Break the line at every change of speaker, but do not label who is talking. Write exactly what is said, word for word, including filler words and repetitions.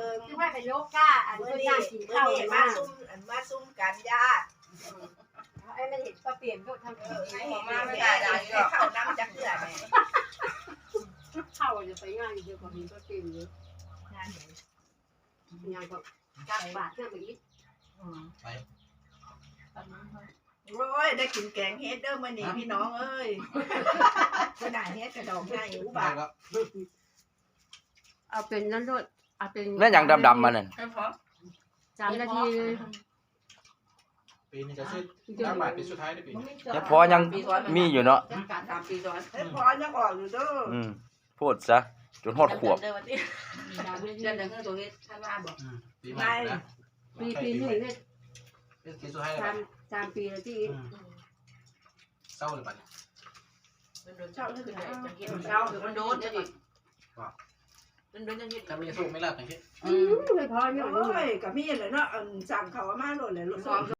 ง
ที่ว่าไปโยก้าอัน
เมื่อ
นี้
นี้
ย่างกิน
เมื่อ
ข้าว
นี้
มา
มาซุ่มอันมาซุ่มกันญาติ
ไอ้มันเห็นก็เปลี่ยนก็ทำ
เออให้มาไม่ได้ได้เข้าน้ำจักเกลือแม่
เข้าจะไปง่ายเยอะกว่านี้ก็เปลี่ยนเยอะยังก็กักบาทเพื่อไปอีก
ไป
โอ้ยได้กินแกงเฮ็ดเด้อมื้อนี้พี่น้องเอ้ยขนาดเฮ็ดกระดองง่ายอุ
ไป
บาท
ก็
เอาเป็นนั่นด้วยเอาเป็น
นั่นอย่างดำๆมานั่น
สามนาทีเลย
ปีนี้จะซื้อตั้งบาทปีสุดท้ายได้ปี
ยังพอยังมีอยู่เนาะ
การตามปีซ้อน
เฮ้ยพอยังออกอยู่เด้อ
อืมพูดซะจนฮอดขวบ
เดือนเดือนหนึ่งตัวนี้ท่านว่าบอก
ปีใหม่นะ
ปีปีหนึ่งเนี่ย
ปีสุดท้ายเลย
สามสามปีแล้วที่
เศร้าเลยปัด
เช่าขึ้นได้จะกิน
เช้ามันโดนจะดิมันโดนจะดิ
ถ้าไม่สู้ไม่รับอย่างนี้
อืมเลยพอเนี่ย
โอ้ยก็มีแหละเนาะสั่งเขามาโลดเลยลูก